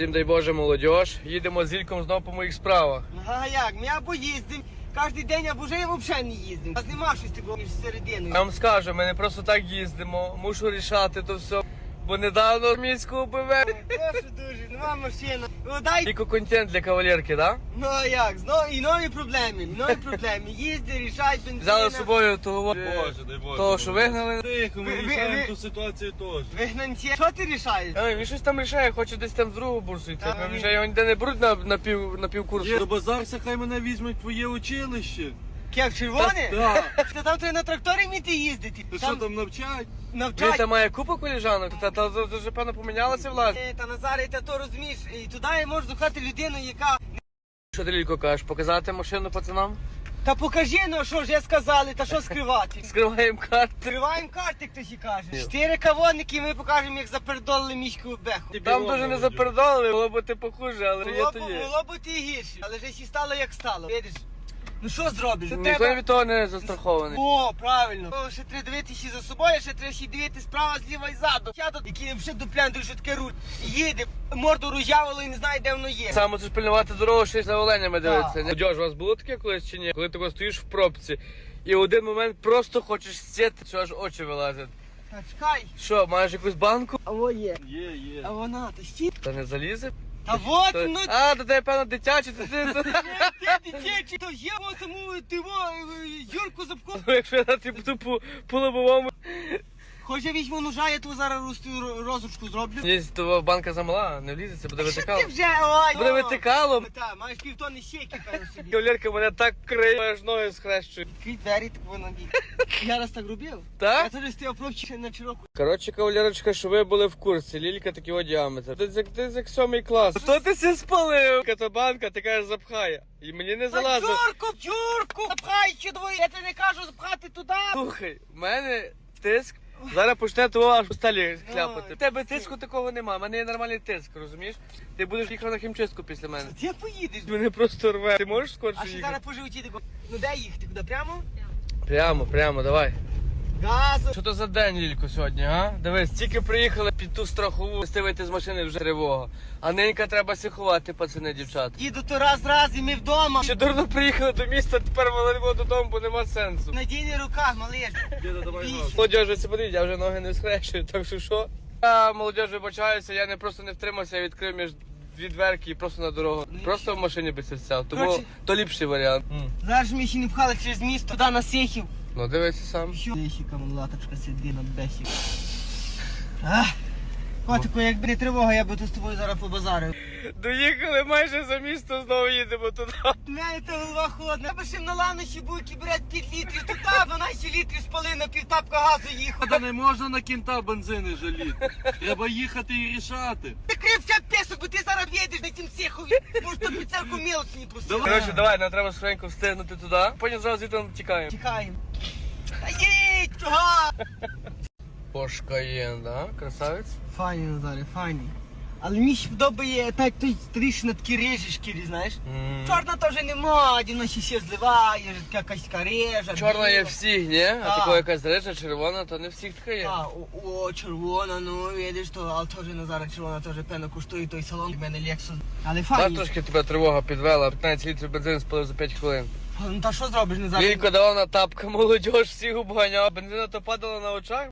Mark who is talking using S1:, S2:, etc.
S1: Всім дай Боже, молодіж. Їдемо з Ільком знову по моїх справах.
S2: А як? Ми або їздимо, кожен день, або вже взагалі не їздимо. А нема щось такого між серединою.
S1: Я вам скажу, ми не просто так їздимо, мушу рішати то все. Бо недавно міську БВ.
S2: Прошу дуже, нема машина. Ну дай.
S1: Тільки контент для кавалерки, так?
S2: Ну а як? Знову і нові проблеми, Їзди, рішають бензина.
S1: Взяли з собою того,
S3: Боже, дай Боже.
S1: того, що вигнали.
S3: Тихо, ми
S2: Ви-
S3: рішаємо
S2: ви-
S3: ту ситуацію теж.
S2: Вигнанці. Що ти рішаєш?
S1: Ой, він щось там рішає, хоче десь там з другого бурсу йти.
S2: Та,
S1: Ми
S2: ні.
S1: вже його ніде не беруть на півкурсу.
S3: До базарся, хай мене візьмуть в твоє училище.
S2: Як червоне?
S3: Так.
S2: Та там треба на тракторі вміти їздити.
S3: Ти що там навчать?
S1: Він
S2: навчать.
S1: там має купу коліжанок, та вже певно помінялася власне.
S2: Та Назаре, та то розумієш, і туди можеш духати людину, яка...
S1: Що ти, Лілько, кажеш, показати машину пацанам?
S2: Та покажи, ну що ж я сказали, та що скривати?
S1: Скриваємо карти.
S2: Скриваємо карти, хтось і каже. 4 кавонники, ми покажемо, як запердолили мішку в беху.
S1: Там дуже не запередали, було б ти похуже, але є то є.
S2: Було б і гірше, але вже сі стало як стало. Видиш? Ну що зробиш?
S1: Ніхто від того не застрахований.
S2: О, правильно. О, ще треба дивитися за собою, ще треба ще дивитися справа, зліва і ззаду. Я тут, який вже дуплянтує, що таке руль. Їде, морду роз'явило і не знає, де воно є.
S1: Саме це ж пильнувати дорогу, ще й за оленями дивитися.
S2: Так.
S1: Молодіж, у вас було таке колись чи ні? Коли ти стоїш в пробці і в один момент просто хочеш сіти, що аж очі вилазять.
S2: Та чекай.
S1: Що, маєш якусь банку?
S2: А во є.
S3: Є.
S2: А вона, та стій.
S1: Та не залізе?
S2: Та вот,
S1: То-
S2: ну...
S1: А, то тебе, певно, дитячі, то ти...
S2: Ти дитячий, то є во саму, ти во, Юрку Зубко.
S1: Ну, якщо я ти буду по лобовому...
S2: Хоч я візьму ножа, я ту зараз розручку зроблю.
S1: Ні, то банка замала, не влізеться, буде
S2: Що
S1: витикало.
S2: ти вже, ой,
S1: Буде
S2: о.
S1: витикало.
S2: Та, маєш півтонни щеки, певно, собі.
S1: Кавалерка мене так криє, аж ноги схрещують.
S2: Відкрий двері, так воно бій. Я раз так робив.
S1: Так?
S2: Я теж стояв пробчик на широку.
S1: Коротше, кавалерочка, що ви були в курсі, Лілька такий діаметр. Ти як 7 клас. Що ти все спалив? Катобанка, ти кажеш, запхає. І мені не залазить.
S2: Юрку, запхай ще двоє. Я тебе не кажу запхати туди.
S1: Слухай, в мене тиск. Зараз почне того аж у сталі хляпати.
S2: Ой.
S1: В тебе тиску такого нема, в мене є нормальний тиск, розумієш? Ти будеш їхати на хімчистку після мене.
S2: Ти поїдеш.
S1: Мене просто рве. Ти можеш скорше
S2: А ще
S1: їхати?
S2: зараз по животі тако. Ну де їхати? Куди? Прямо?
S1: Прямо, давай.
S2: Газу.
S1: Що то за день, Лілько, сьогодні, а? Дивись, тільки приїхали під ту страхову, вийти з машини вже тривога. А ненька треба сиховати, пацани, дівчата.
S2: Їду то раз і ми вдома.
S1: Ще дурно приїхали до міста, тепер валимо додому, бо нема сенсу.
S2: Надійний руках, малиш.
S3: Діда, давай
S2: Більше.
S3: газ.
S1: Молодіж, ви це подивіть, я вже ноги не схрещую, так що що? Я, молодіж, вибачаюся, я не просто не втримався, я відкрив між дві дверки і просто на дорогу. Просто в машині би сяв, тому
S2: Коротше-
S1: то ліпший варіант.
S2: Зараз ми ще не пхали через місто, туди на Сехів.
S1: Ну дивися сам.
S2: Що? Дещика, латочка, сиди на бесів. Котику, якби не тривога, я би тут з тобою зараз побазарив.
S1: Доїхали майже за місто, знову їдемо туди.
S2: У мене та голова холодна. Я би ще на ланощі буйки брати 5 літрів, туди 12 літрів спали на півтапка газу їхав.
S3: Та не можна на кінта бензини жаліти. Треба їхати і рішати.
S2: Закрився песок, бо ти зараз їдеш на цім Сехові. Може, то піцерку мілочі не просив.
S1: Коротше, давай, нам треба швидко встигнути туди. Потім зразу звідти тікаємо.
S2: Тікаємо. Та їдь, чого?
S1: Пошкаєн, да? Красавець?
S2: Файні, Назаре, файні. Але мені ще подобає, так той трішки на такі режі шкірі, знаєш. Чорна теж нема, дівно ще зливає, якась така режа.
S1: Чорна є
S2: біла.
S1: всіх, ні? А
S2: Так.
S1: така якась рижа, червона, то не всіх така є.
S2: А, о, червона, ну видиш, то, але теж Назара червона теж певно коштує той салон, в мене Lexus. Але
S1: Так
S2: файні.
S1: трошки тебе тривога підвела, 15 літрів бензину спалив за 5 хвилин.
S2: Ну та що зробиш, Назар?
S1: Лілько давав на тапка, молодіж всіх обганяв. Бензина то падала на очах.